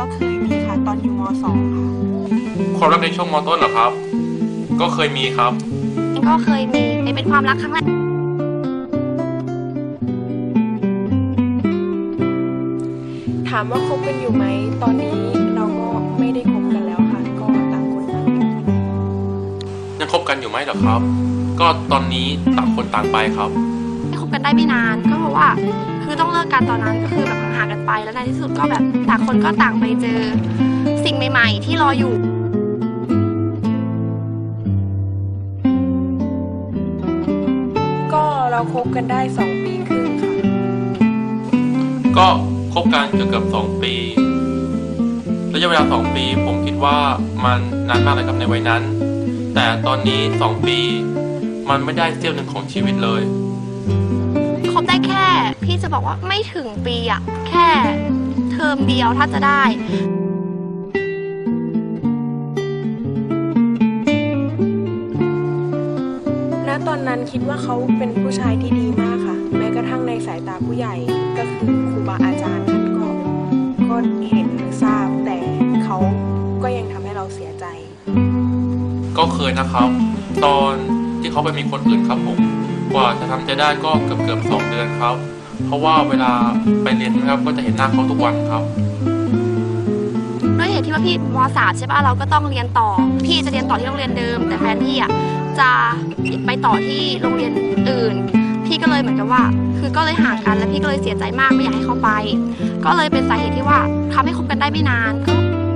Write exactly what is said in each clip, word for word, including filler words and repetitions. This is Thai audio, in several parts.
เคยมีค่ะตอนอยู่ม สอง ค่ะความรักในช่วงมต้นเหรอครับก็เคยมีครับก็เคยมีเป็นความรักครั้งแรกถามว่าคบกันอยู่ไหมตอนนี้เราก็ไม่ได้คบกันแล้วค่ะก็ต่างคนต่างอยู่ยังคบกันอยู่ไหมเหรอครับก็ตอนนี้ต่างคนต่างไปครับไม่คบกันได้ไม่นานก็เพราะว่าคือต้องเลิกกันตอนนั้นก็คือแบบห่างกันไปแล้วในที่สุดก็แบบต่างคนก็ต่างไปเจอสิ่งใหม่ๆที่รออยู่ก็เราคบกันได้สองปีครึ่งค่ะก็คบกันเกือบเกือบสองปีระยะเวลาสองปีผมคิดว่ามันนานมากเลยครับในวัยนั้นแต่ตอนนี้สองปีมันไม่ได้เสี้ยวหนึ่งของชีวิตเลยคบได้แค่พี่จะบอกว่าไม่ถึงปีอะแค่เทอมเดียวถ้าจะได้ณตอนนั้นคิดว่าเขาเป็นผู้ชายที่ดีมากค่ะแม้กระทั่งในสายตาผู้ใหญ่ก็คือครูบาอาจารย์ท่านก็ก็เห็นทราบแต่เขาก็ยังทำให้เราเสียใจก็เคยนะครับตอนที่เขาไปมีคนอื่นครับผมกว่าจะทำใจได้ก็เกือบเกือบสองเดือนครับเพราะว่าเวลาไปเรียนนะครับก็จะเห็นหน้าเขาทุกวันครับด้วยเหตุที่ว่าพี่ม.สาม ใช่ป่ะเราก็ต้องเรียนต่อพี่จะเรียนต่อที่โรงเรียนเดิมแต่แฟนพี่อ่ะจะไปต่อที่โรงเรียนอื่นพี่ก็เลยเหมือนกับว่าคือก็เลยห่างกันแล้วพี่ก็เลยเสียใจมากไม่อยากให้เขาไปก็เลยเป็นสาเหตุที่ว่าทำให้คบกันได้ไม่นานก็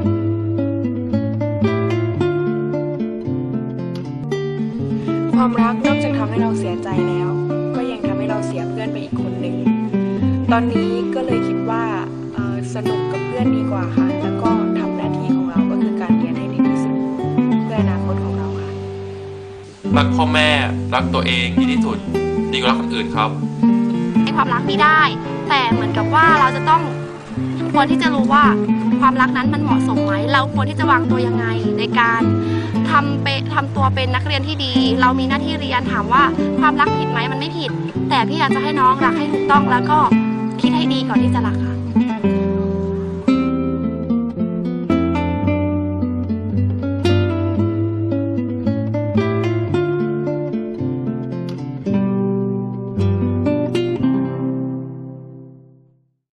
ความรักนอกจากทำให้เราเสียใจแล้วก็ยังทำให้เราเสียเพื่อนไปอีกคนหนึ่งตอนนี้ก็เลยคิดว่าสนุกกับเพื่อนดีกว่าค่ะแล้วก็ทำหน้าที่ของเราก็คือการเรียนให้ดีที่สุดเพื่ออนาคตของเราค่ะรักพ่อแม่รักตัวเองดีที่สุดดีกว่ารักคนอื่นครับให้ความรักมีได้แต่เหมือนกับว่าเราจะต้องควรที่จะรู้ว่าความรักนั้นมันเหมาะสมไหมเราควรที่จะวางตัวยังไงในการทำเปทำตัวเป็นนักเรียนที่ดีเรามีหน้าที่เรียนถามว่าความรักผิดไหมมันไม่ผิดแต่พี่อยากจะให้น้องรักให้ถูกต้องแล้วก็คิดให้ดีก่อนที่จะรักค่ะ